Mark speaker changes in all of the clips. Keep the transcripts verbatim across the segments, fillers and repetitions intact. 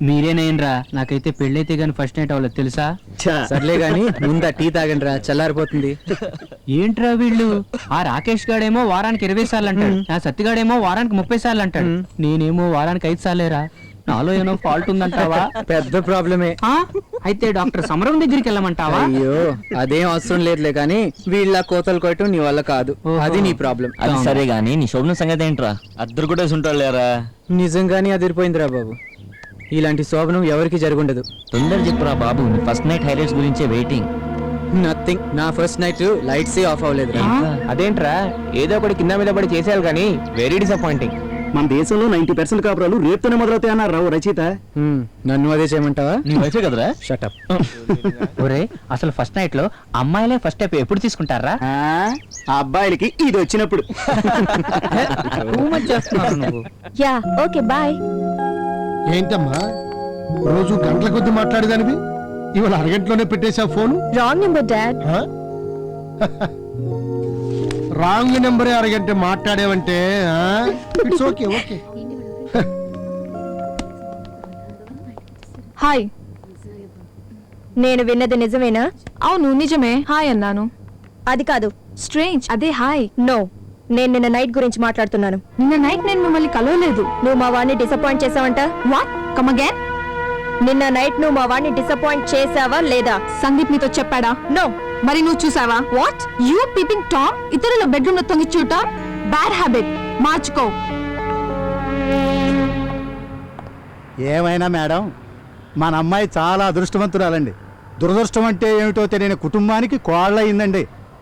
Speaker 1: మీరేనేనరా, నాకైతే పెళ్ళైతే గాని ఫస్ట్ నైట్ అవ్వలేదు తెలుసా.
Speaker 2: సర్లే గాని ముందా టీ తాగండి రా, చల్లారిపోతుంది.
Speaker 1: ఏంట్రా వీళ్ళు, ఆ రాకేష్ గాడేమో వారానికి ఇరవై సార్లు అంటాడు, నా సత్తిగాడేమో వారానికి ముప్పై సార్లు అంటాడు, నేనేమో వారానికి ఐదు సార్లేరా. నాలో ఏమో ఫాల్ట్ ఉందంటావా?
Speaker 2: పెద్ద ప్రాబ్లమే.
Speaker 1: అయితే డాక్టర్ సమరం దగ్గరికి వెళ్ళమంటావా?
Speaker 2: అయ్యో అదేం అవసరం లేదులే గాని వీళ్ళ కోతలు కొట్టడం నీ వల్ల కాదు, అది నీ ప్రాబ్లం.
Speaker 3: అది సరే గానీ నీ శోభన సంగతి ఏంట్రా? అద్దరు కూడా ఉంటాడు లేరా?
Speaker 2: నిజంగానే అదిరిపోయిందిరా బాబు, ఇలాంటి శోభనం ఎవరికి జరుగుండదు.
Speaker 3: తొందర చెప్పురా బాబు, నీ ఫస్ట్ నైట్ హైలైట్స్ గురించే వెయిటింగ్.
Speaker 2: నథింగ్, నా ఫస్ట్ నైట్ లైట్స్ ఆఫ్ అవ్వలేదు.
Speaker 4: అదేంట్రా, ఏదో ఒకటి కింద మీద పడి చేసేయాలి కానీ వెరీ డిసప్పాయింటింగ్.
Speaker 5: మన దేశంలో నైన్టీ పర్సెంట్ కాపురాలు రేపుతోనే మొదలవుతాయి అన్నారు రావు రచయిత.
Speaker 2: నన్ను అదే చేయమంటావా?
Speaker 3: నీ వైఫే కదరా?
Speaker 2: షటప్.
Speaker 1: ఒరే, అసలు ఫస్ట్ నైట్ లో అమ్మాయిలే ఫస్ట్ స్టెప్ ఎప్పుడు తీసుకుంటారా?
Speaker 5: ఆ అబ్బాయిలకి ఇది వచ్చినప్పుడు.
Speaker 6: Yeah okay bye.
Speaker 7: ఏంటమ్మా రోజు గంటల కొద్ది మాట్లాడేదానివి, ఇవాళ అరగంటలోనే పెట్టేశా phone?
Speaker 6: Wrong number dad.
Speaker 7: Wrong నెంబరే అరగంట మాట్లాడేవంటే ఇట్స్ ఓకే ఓకే.
Speaker 6: హాయ్, నేను విన్నది నిజమేనా?
Speaker 8: అవును నిజమే, హాయ్ అన్నాను.
Speaker 6: అది కాదు,
Speaker 8: స్ట్రేంజ్, అదే హాయ్.
Speaker 6: నో, నేను నిన్న నైట్ గురించి మాట్లాడుతున్నాను.
Speaker 8: నిన్న నైట్ నేను మిమ్మల్ని కలవలేదు.
Speaker 6: నువ్వు మా వాడిని డిసప్పాయింట్ చేసావంట.
Speaker 8: వాట్? Come again.
Speaker 6: నిన్న నైట్ నువ్వు మా వాడిని డిసప్పాయింట్ చేసావా లేదా?
Speaker 8: సందీప్ నీతో చెప్పాడా?
Speaker 6: నో.
Speaker 8: మరి నువ్వు చూసావా? వాట్? యూ పీపింగ్ టామ్, ఇతరుల బెడ్రూమ్ లో తొంగి చూడటం బ్యాడ్ హ్యాబిట్, మార్చుకో.
Speaker 5: ఏమైనా మేడం, మన అమ్మాయి చాలా అదృష్టవంతురాలండి. దురదృష్టం అంటే ఏమిటో తెలియని కుటుంబానికి కోళ్ళయిందండి.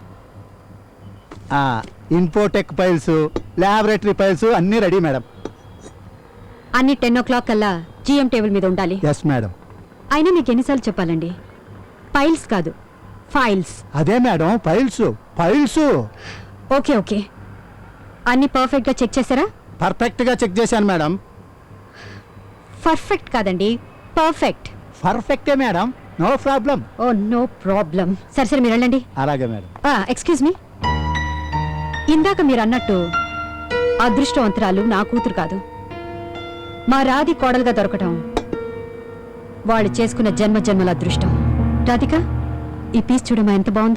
Speaker 5: ఇన్ఫోటెక్ ఫైల్స్, ల్యాబొరేటరీ ఫైల్స్ అన్నీ రెడీ మేడం.
Speaker 9: అన్ని టెన్ ఓ క్లాక్ కల్లా జిఎం టేబుల్ మీద ఉండాలి.
Speaker 5: Yes madam.
Speaker 9: అయినా మీకు ఎన్నిసార్లు చెప్పాలండి, ఫైల్స్ కాదు ఫైల్స్.
Speaker 5: అదే madam, files files.
Speaker 9: Okay okay, అన్ని పర్ఫెక్ట్ గా చెక్ చేశారా?
Speaker 5: పర్ఫెక్ట్ గా చెక్ చేశాను మేడం.
Speaker 9: పర్ఫెక్ట్ కాదండి, పర్ఫెక్ట్.
Speaker 5: పర్ఫెక్టే madam, no problem.
Speaker 9: Oh no problem. సరే సరే మీరు వెళ్ళండి.
Speaker 5: అలాగే మేడం.
Speaker 9: ఎక్స్క్యూజ్ మీ, ఇందాక మీరు అన్నట్టు అదృష్టవంతురాలు నా కూతురు కాదు, మా రాధి కోడలుగా దొరకటం వాళ్ళు చేసుకున్న జన్మ జన్మల అదృష్టం. రాధిక, ఈ పీస్ చూడమా ఎంత బాగుందో.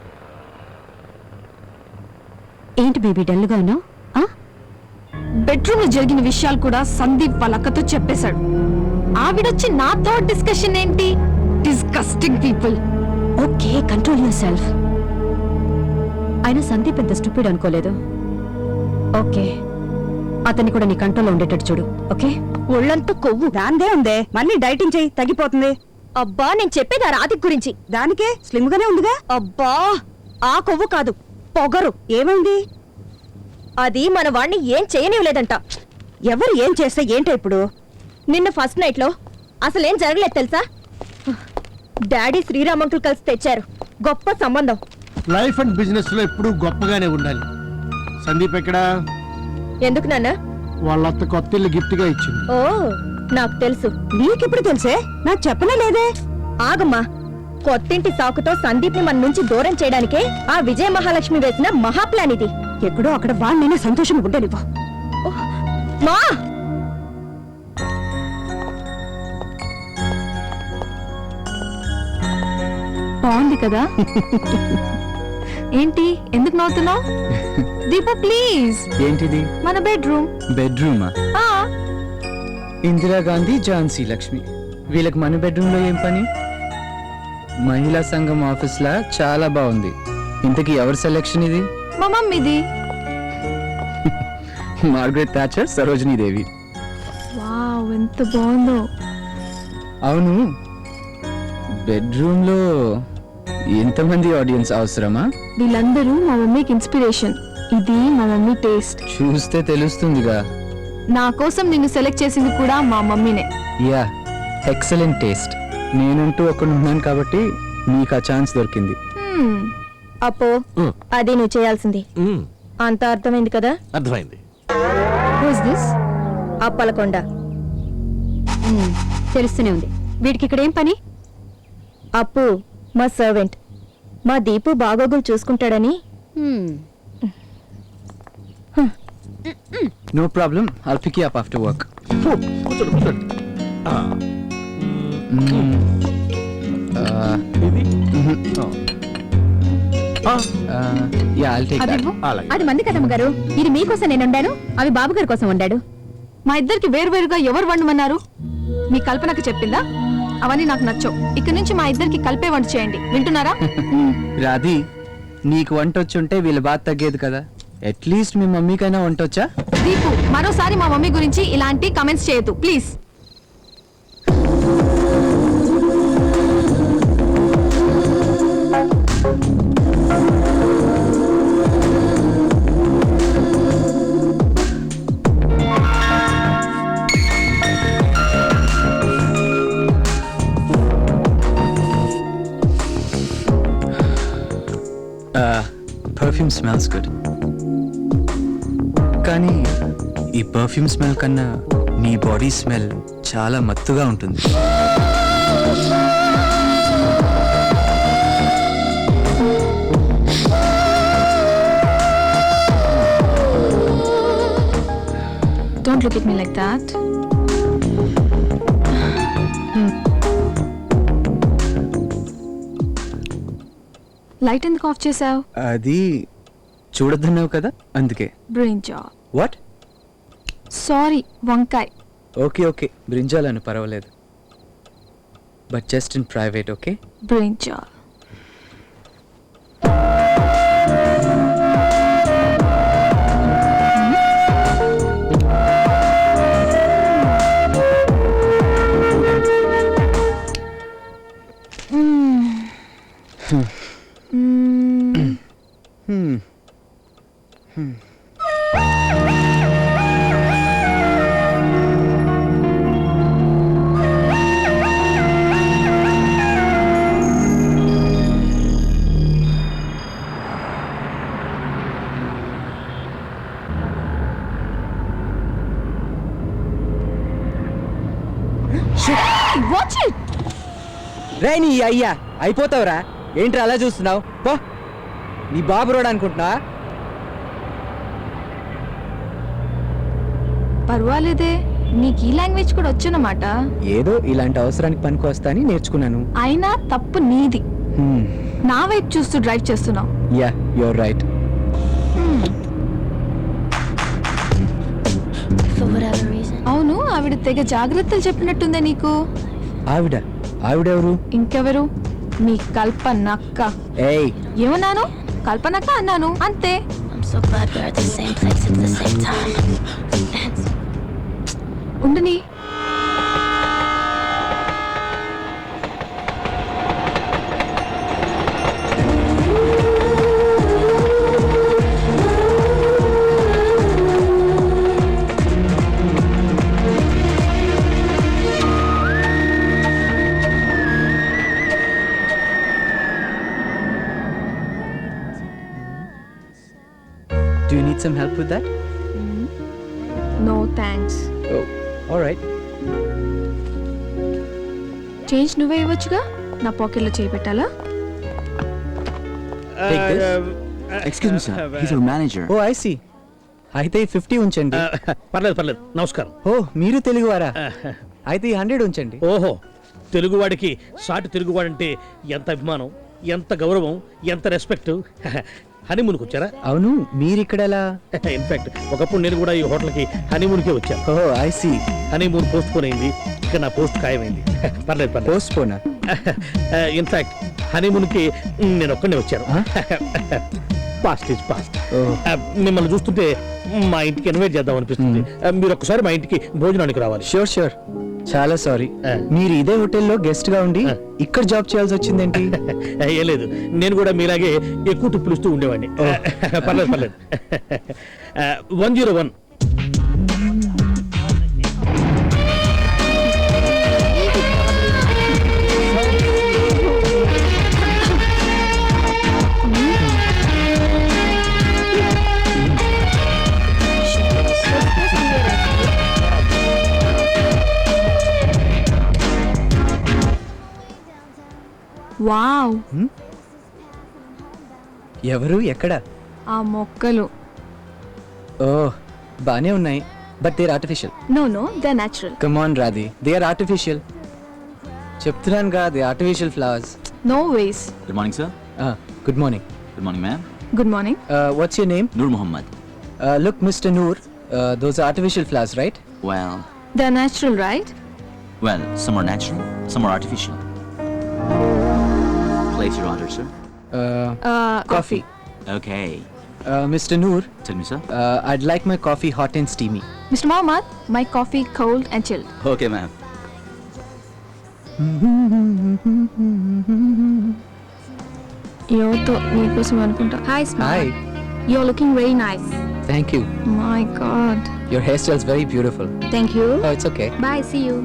Speaker 9: ఏంటి బేబీ డల్గా ఉన్నావు?
Speaker 8: బెడ్రూమ్ లో జరిగిన విషయాలు కూడా సందీప్ వాళ్ళ అక్కతో చెప్పేశాడు. ఆవిడొచ్చి నాతో డిస్కషన్ ఏంటి? Disgusting people.
Speaker 9: Okay, control yourself. అయినా సందీప్ ఎంత స్టూపిడ్ అనుకోలేదు. ఓకే, అతన్ని కూడా నీ కంట్రోల్లో ఉండేటట్టు చూడు. ఓకే,
Speaker 6: ఒళ్ళంతా కొవ్వు
Speaker 10: దాందే ఉందే, మళ్ళీ డైటింగ్ చేయి, తగ్గిపోతుంది.
Speaker 6: అబ్బా, నేను చెప్పేది ఆ రాధిక్ గురించి.
Speaker 10: దానికే స్లిమ్ గానే ఉందిగా.
Speaker 6: అబ్బా, ఆ కొవ్వు కాదు, పొగరు.
Speaker 10: ఏమైంది?
Speaker 6: అది మన వాణ్ణి ఏం చేయనివ్వలేదంట.
Speaker 10: ఎవరు ఏం చేస్తే ఏంటో ఇప్పుడు?
Speaker 6: నిన్న ఫస్ట్ నైట్ లో అసలేం జరగలేదు తెలుసా? డాడీ శ్రీరామ్ అంకుల్ కలిసి తెచ్చారు గొప్ప సంబంధం.
Speaker 7: లైఫ్ అండ్ బిజినెస్ లో ఎప్పుడు గొప్పగానే ఉండాలి. సందీప్ ఎక్కడా?
Speaker 6: ఎందుకు నాన్న?
Speaker 7: వాళ్ళ అత్త కొత్త ఇల్లు గిఫ్ట్ గా ఇచ్చింది.
Speaker 6: ఓ, నాకు తెలుసు.
Speaker 10: నీకెప్పుడు తెలుసే? నాకు చెప్పనే లేదే.
Speaker 6: ఆగమ్మా, కొత్తింటి సాకుతో సందీప్ ని మన నుంచి దూరం చేయడానికే ఆ విజయ మహాలక్ష్మి వేసిన మహా ప్లాన్ ఇది.
Speaker 10: ఎక్కడో అక్కడ వాళ్ళైనా సంతోషం ఉండనివ్వు.
Speaker 6: మా
Speaker 8: బాగుంది కదా? ఏంటి, ఎందుకు నవ్వుతున్నావు? దీప ప్లీజ్.
Speaker 2: ఏంటిది?
Speaker 8: మన బెడ్రూమ్.
Speaker 2: బెడ్రూమా? ఇందిరాగాంధీ, ఝాన్సీ లక్ష్మి, వీళ్ళకి మన బెడ్రూమ్ లో ఏం పని? మహిళా సంఘం ఆఫీస్ లా చాలా బాగుంది. ఇంతకీ ఎవరి సెలెక్షన్ ఇది?
Speaker 8: మా మమ్మీది.
Speaker 2: Margaret Thatcher, Sarojini Devi.
Speaker 8: Wow, ఎంత బాగుందో.
Speaker 2: అవును, బెడ్రూమ్ లో ఎంతమంది ఆడియన్స్ అవసరమా?
Speaker 8: వీళ్ళందరూ మా మమ్మీకి ఇన్స్పిరేషన్. ఇది మా మమ్మీ టేస్ట్.
Speaker 2: చూస్తే తెలుస్తుందిగా.
Speaker 8: నా కోసం నిన్ను సెలెక్ట్ చేసింది కూడా మా మమ్మీనే.
Speaker 2: Yeah, excellent taste. నేనంటూ ఒకడు ఉన్నాను కాబట్టి నీకు ఆ ఛాన్స్ దొరికింది.
Speaker 6: అప్పో, అది నువ్వు చేయాల్సింది. అంత అర్థమైంది కదా?
Speaker 4: అర్థమైంది.
Speaker 8: Who's this?
Speaker 6: అప్పలకొండ.
Speaker 9: తెలుస్తూనే ఉంది. వీడికి ఇక్కడ ఏం పని?
Speaker 6: అప్పు మా సర్వెంట్. మా దీపు బాగోగులు చూసుకుంటాడని.
Speaker 2: No problem, I'll pick you up after work. Yeah I'll take
Speaker 6: అది
Speaker 2: దట్.
Speaker 6: ఇవ్వు.
Speaker 7: అలాగే.
Speaker 6: అది మంది కదమ్మ గారు, ఇది మీకోసం నేను వండాను, అవి బాబు గారి కోసం వండాడు.
Speaker 8: మా ఇద్దరికి వేరువేరుగా ఎవరు వండమన్నారు? మీ కల్పనకి చెప్పిందా? అవన్నీ నాకు నచ్చవు. ఇక్కడి నుంచి మా ఇద్దరికి కలిపే వంట చేయండి, వింటున్నారా?
Speaker 2: రాధి, నీకు వంట వచ్చుంటే వీళ్ళ బాధ తగ్గేది కదా. అట్లీస్ట్ మీ మమ్మీకైనా వంట వచ్చా?
Speaker 8: దీపు, మరోసారి మా మమ్మీ గురించి ఇలాంటి కమెంట్స్ చేయొద్దు ప్లీజ్.
Speaker 2: పర్ఫ్యూమ్ స్మెల్స్ గుడ్, కానీ ఈ పర్ఫ్యూమ్ స్మెల్ కన్నా నీ బాడీ స్మెల్ చాలా మత్తుగా ఉంటుంది.
Speaker 8: Don't look at me like that. Light ఎందుకు ఆఫ్ చేసావు?
Speaker 2: అది చూడొద్దన్నావు కదా, అందుకే.
Speaker 8: బ్రింజాల్.
Speaker 2: వాట్?
Speaker 8: సారీ, వంకాయ్.
Speaker 2: ఓకే ఓకే, బ్రింజాలను పర్వాలేదు, but just in private. Okay,
Speaker 8: brinjal. Watch it.
Speaker 2: రే నీ అయ్యా, అయిపోతావురా. ఏంట్రా అలా చూస్తున్నావు? పో, నీ బాబు రోడ్ అనుకుంటున్నా.
Speaker 8: పర్వాలేదే, నీకు ఈ లాంగ్వేజ్ కూడా వచ్చనమాట.
Speaker 2: ఏదో ఇలాంటి అవసరానికి పనికి వస్తా అని నేర్చుకున్నాను.
Speaker 8: అయినా తప్పు నీది. నా వైపు చూస్తూ డ్రైవ్ చేస్తున్నావు.
Speaker 2: Yeah, you're right.
Speaker 8: అవును, ఆవిడ తెగ జాగ్రత్తలు చెప్పినట్టుందే నీకు.
Speaker 2: ఆవిడ? ఆవిడెవరు?
Speaker 8: ఇంకెవరు? మీ కల్పనక్క.
Speaker 2: ఏయ్,
Speaker 8: ఏమన్నాను? కల్పనక్క అన్నాను, అంతే. ఉండని.
Speaker 2: do you need some help with that?
Speaker 8: No thanks.
Speaker 2: Oh, all right.
Speaker 8: Change నువ్వే ఇవ్వచ్చుగా, నా పాకెట్లో చేయి పెట్టాలా?
Speaker 2: Take this.
Speaker 7: Excuse me sir, he's our manager.
Speaker 2: Oh I see. అయితే ఫిఫ్టీ ఉంచండి.
Speaker 7: పర్లేదు పర్లేదు, నమస్కారం.
Speaker 2: ఓ, మీరు తెలుగువారా? అయితే ఈ హండ్రెడ్ ఉంచండి.
Speaker 7: ఓహో, తెలుగువాడికి సాటి తెలుగువాడంటే ఎంత అభిమానం, ఎంత గౌరవం, ఎంత రెస్పెక్ట్. హనీమూన్కి వచ్చారా?
Speaker 2: అవును, మీరు ఇక్కడ ఎలా?
Speaker 7: ఇన్ఫాక్ట్ ఒకప్పుడు నేను కూడా ఈ హోటల్కి హనీమూన్కే వచ్చాను.
Speaker 2: Oh I see.
Speaker 7: Honeymoon postpone అయింది, ఇక్కడ నా పోస్ట్ ఖాయమైంది. పర్లేదు పర్లేదు.
Speaker 2: పోస్ట్ పోనా?
Speaker 7: ఇన్ఫాక్ట్ హనీమూన్కి నేను ఒక్కడే వచ్చాను. Past is past. మిమ్మల్ని చూస్తుంటే మా ఇంటికి ఇన్వైట్ చేద్దాం అనిపిస్తుంది. మీరు ఒక్కసారి మా ఇంటికి భోజనానికి రావాలి.
Speaker 2: Sure sure. చాలా సారీ,
Speaker 7: Uh.
Speaker 2: మీరు ఇదే హోటల్లో గెస్ట్ గా ఉండి
Speaker 7: Uh.
Speaker 2: ఇక్కడ జాబ్ చేయాల్సి వచ్చిందేంటి?
Speaker 7: ఏం లేదు, నేను కూడా మీలాగే ఎక్కువ టిప్పులు ఇస్తూ ఉండేవాడిని. పర్లేదు పర్లేదు. One zero one.
Speaker 8: వావ్,
Speaker 2: ఎవరు? ఎక్కడ?
Speaker 8: ఆ మొక్కలు.
Speaker 2: ఓ, బానే ఉన్నాయి. But they are artificial.
Speaker 8: No no they natural.
Speaker 2: Come on Radhi, they are artificial. చెప్తున్నాను కదా, they artificial flowers.
Speaker 8: No ways.
Speaker 3: Good morning sir.
Speaker 2: Good morning.
Speaker 3: Good morning ma'am.
Speaker 8: Good morning.
Speaker 2: What's your name?
Speaker 3: Noor Mohammed.
Speaker 2: Look mister Noor, those are artificial flowers, right?
Speaker 3: Well
Speaker 8: they natural right?
Speaker 3: Well some are natural, some are artificial. Place your order, sir.
Speaker 2: Coffee.
Speaker 3: Okay.
Speaker 2: Mister Noor,
Speaker 3: Tell me, sir.
Speaker 2: I'd like my coffee hot and steamy.
Speaker 8: Mister Mohammed, my coffee cold and chilled.
Speaker 3: Okay, ma'am.
Speaker 8: ఎవరితో నీకోసం అనుకుంటా. Hi
Speaker 2: Hi.
Speaker 8: Smile. You are looking very nice.
Speaker 2: Thank you.
Speaker 8: My god.
Speaker 2: Your hairstyle is very beautiful.
Speaker 8: Thank you.
Speaker 2: Oh, it's okay.
Speaker 8: Bye, see you.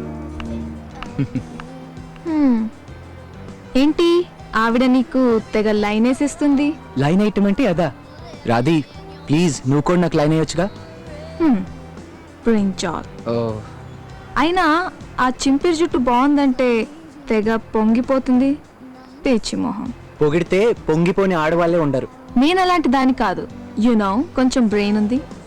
Speaker 8: ఏంటి ఆవిడ నీకు తెగ line వేసిస్తుంది?
Speaker 2: Line item అంటే అదా? రాధి please, నువ్వు కూడా నాకు లైన్ అయ్యొచ్చుగా.
Speaker 8: బ్రింజాల్.
Speaker 2: ఓ,
Speaker 8: అయినా ఆ చింపిరి జుట్టు బాగుందంటే తెగ పొంగిపోతుంది. పిచ్చి మొహం.
Speaker 2: పొగిడితే పొంగిపోని ఆడవాళ్ళే ఉండరు.
Speaker 8: నేను అలాంటి దాని కాదు. యు నో కొంచెం బ్రెయిన్ ఉంది.